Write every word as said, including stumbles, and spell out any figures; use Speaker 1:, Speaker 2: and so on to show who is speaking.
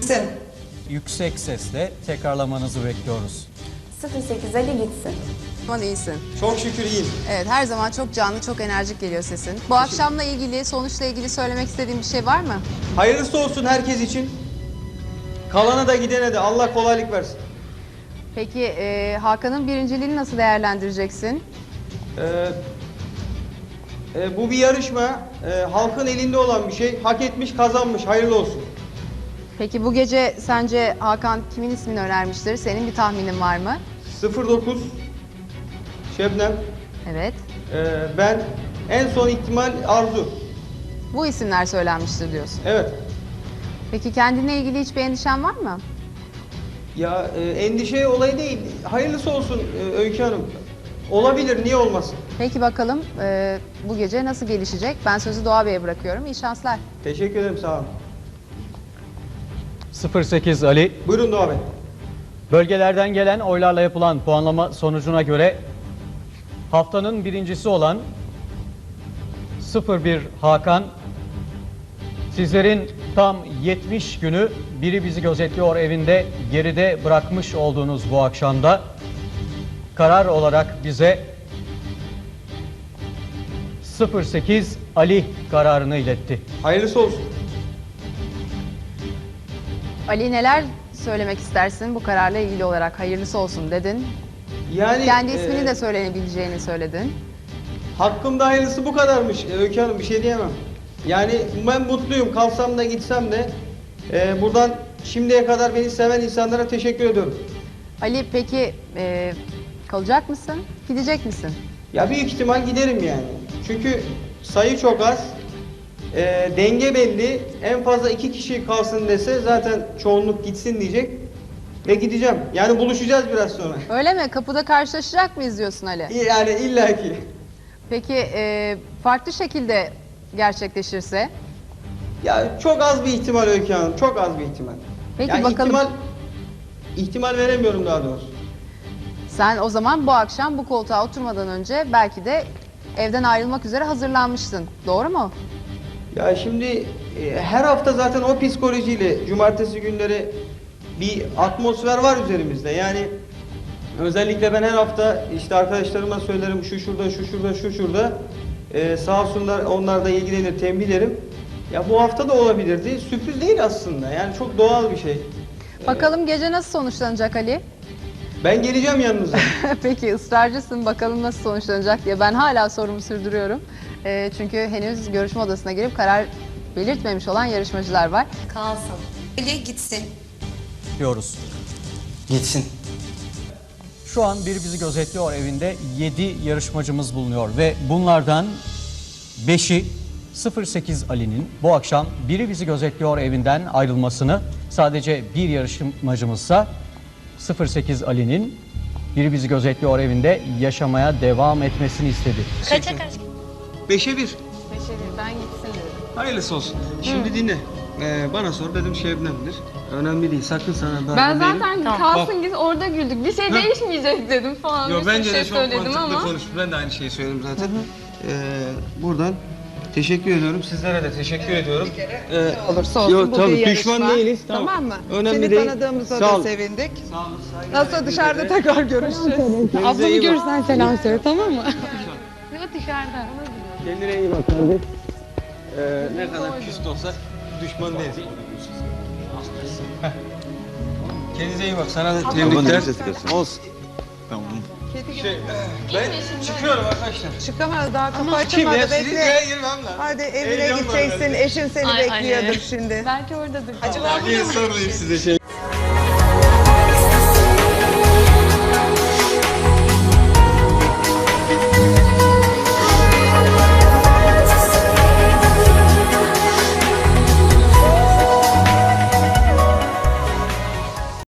Speaker 1: Gitsin.
Speaker 2: Yüksek sesle tekrarlamanızı bekliyoruz.
Speaker 3: sıfır sekiz Ali gitsin.
Speaker 4: Aman iyisin.
Speaker 1: Çok şükür iyiyim.
Speaker 4: Evet, her zaman çok canlı, çok enerjik geliyor sesin. Bu akşamla ilgili, sonuçla ilgili söylemek istediğin bir şey var mı?
Speaker 1: Hayırlısı olsun herkes için. Kalana da gidene de Allah kolaylık versin.
Speaker 4: Peki e, Hakan'ın birinciliğini nasıl değerlendireceksin?
Speaker 1: Ee, e, bu bir yarışma. Ee, halkın elinde olan bir şey. Hak etmiş, kazanmış. Hayırlı olsun.
Speaker 4: Peki bu gece sence Hakan kimin ismini önermiştir? Senin bir tahminin var mı?
Speaker 1: sıfır dokuz Şebnem.
Speaker 4: Evet.
Speaker 1: Ee, ben en son ihtimal Arzu.
Speaker 4: Bu isimler söylenmiştir diyorsun.
Speaker 1: Evet.
Speaker 4: Peki kendine ilgili hiçbir endişen var mı?
Speaker 1: Ya e, endişe olayı değil. Hayırlısı olsun e, Öykü Hanım. Olabilir, niye olmasın?
Speaker 4: Peki bakalım e, bu gece nasıl gelişecek? Ben sözü Doğa Bey'e bırakıyorum. İyi şanslar.
Speaker 1: Teşekkür ederim, sağ olun.
Speaker 2: sıfır sekiz Ali,
Speaker 1: Buyurun Doğa Bey.
Speaker 2: bölgelerden gelen oylarla yapılan puanlama sonucuna göre haftanın birincisi olan sıfır bir Hakan, sizlerin tam yetmiş günü Biri Bizi Gözetliyor evinde geride bırakmış olduğunuz bu akşamda karar olarak bize sıfır sekiz Ali kararını iletti.
Speaker 1: Hayırlısı olsun.
Speaker 4: Ali, neler söylemek istersin bu kararla ilgili olarak? Hayırlısı olsun dedin.
Speaker 1: Yani
Speaker 4: Kendi ismini
Speaker 1: e,
Speaker 4: de söylenebileceğini söyledin.
Speaker 1: hakkımda hayırlısı bu kadarmış e, Öykü Hanım, bir şey diyemem. Yani ben mutluyum, kalsam da gitsem de. E, buradan şimdiye kadar beni seven insanlara teşekkür ediyorum.
Speaker 4: Ali, peki e, kalacak mısın? Gidecek misin?
Speaker 1: Ya büyük ihtimal giderim yani. Çünkü sayı çok az. E, denge belli. En fazla iki kişi kalsın dese zaten çoğunluk gitsin diyecek. Ve gideceğim. Yani buluşacağız biraz sonra.
Speaker 4: Öyle mi? Kapıda karşılaşacak mıyız diyorsun Ali?
Speaker 1: Yani illaki.
Speaker 4: Peki e, farklı şekilde gerçekleşirse?
Speaker 1: Ya çok az bir ihtimal Öykü Hanım. Çok az bir ihtimal.
Speaker 4: Peki
Speaker 1: yani
Speaker 4: bakalım.
Speaker 1: ihtimal, ihtimal veremiyorum daha doğrusu.
Speaker 4: Sen o zaman bu akşam bu koltuğa oturmadan önce belki de evden ayrılmak üzere hazırlanmıştın. Doğru mu?
Speaker 1: Ya şimdi e, her hafta zaten o psikolojiyle cumartesi günleri bir atmosfer var üzerimizde. Yani özellikle ben her hafta işte arkadaşlarıma söylerim, şu şurada, şu şurada, şu şurada. E, sağ olsunlar, onlar da ilgilenir, tembihlerim. Ya bu hafta da olabilirdi. Sürpriz değil aslında. Yani çok doğal bir şey.
Speaker 4: Bakalım gece nasıl sonuçlanacak Ali?
Speaker 1: Ben geleceğim yanınıza.
Speaker 4: Peki ısrarcısın, bakalım nasıl sonuçlanacak diye. Ben hala sorumu sürdürüyorum. E, çünkü henüz görüşme odasına girip karar belirtmemiş olan yarışmacılar var.
Speaker 3: Kalsın.
Speaker 5: Ali gitsin.
Speaker 2: Diyoruz.
Speaker 1: Gitsin.
Speaker 2: Şu an Biri Bizi Gözetliyor evinde yedi yarışmacımız bulunuyor ve bunlardan beşi sıfır sekiz Ali'nin bu akşam Biri Bizi Gözetliyor evinden ayrılmasını, sadece bir yarışmacımızsa sıfır sekiz Ali'nin Biri Bizi Gözetliyor evinde yaşamaya devam etmesini istedi.
Speaker 3: Kaça kaç?
Speaker 1: Beşe bir.
Speaker 4: Ben gitsin dedim.
Speaker 1: Hayırlısı olsun. Şimdi dinle. Ee, bana sor, dedim Şebnem'dir. Önemli değil, sakın sana darbe
Speaker 6: Ben
Speaker 1: değilim.
Speaker 6: zaten
Speaker 3: Tamam.
Speaker 6: kalsın git orada güldük. Bir şey değişmeyecek dedim falan.
Speaker 1: Yo,
Speaker 6: bir sürü
Speaker 1: bence
Speaker 6: şey
Speaker 1: de çok
Speaker 6: söyledim
Speaker 1: mantıklı
Speaker 6: ama.
Speaker 1: konuş. Ben de aynı şeyi söyledim zaten. Ee, buradan teşekkür ediyorum. Sizlere de teşekkür ediyorum. Ee,
Speaker 7: Olursa olsun
Speaker 1: Yo,
Speaker 7: bu
Speaker 1: tabii,
Speaker 7: bir
Speaker 1: düşman
Speaker 7: yarışma.
Speaker 1: değiliz,
Speaker 7: Tamam,
Speaker 1: tamam.
Speaker 7: mı?
Speaker 1: Önemli
Speaker 7: Seni
Speaker 1: değil.
Speaker 7: tanıdığımıza
Speaker 1: Sağ
Speaker 7: da
Speaker 1: olun.
Speaker 7: sevindik.
Speaker 1: Sağ olun, saygılar.
Speaker 7: Nasıl dışarıda tekrar görüşeceğiz.
Speaker 1: Kendinize iyi bak.
Speaker 6: görürsen selam söyle, tamam mı? Yok dışarıda.
Speaker 1: Kendine iyi bak kardeş. Ee, ne kadar küst olsak düşman değiliz. Kendinize iyi bak. Sana da tebrikler. Olsun. Tamam. Şey, ben çıkıyorum arkadaşlar.
Speaker 7: Çıkamaz, daha kapı
Speaker 1: Kim ya?
Speaker 7: açılmadı,
Speaker 1: Sizin
Speaker 7: bekle.
Speaker 1: köye girmem lan.
Speaker 7: Hadi evine
Speaker 1: Heyecan var
Speaker 7: gideceksin,
Speaker 1: bende.
Speaker 7: eşin seni
Speaker 6: Ay,
Speaker 7: bekliyordur
Speaker 6: ay.
Speaker 7: şimdi.
Speaker 6: Belki oradadır.
Speaker 7: Acaba
Speaker 1: Niye sormayayım size şey?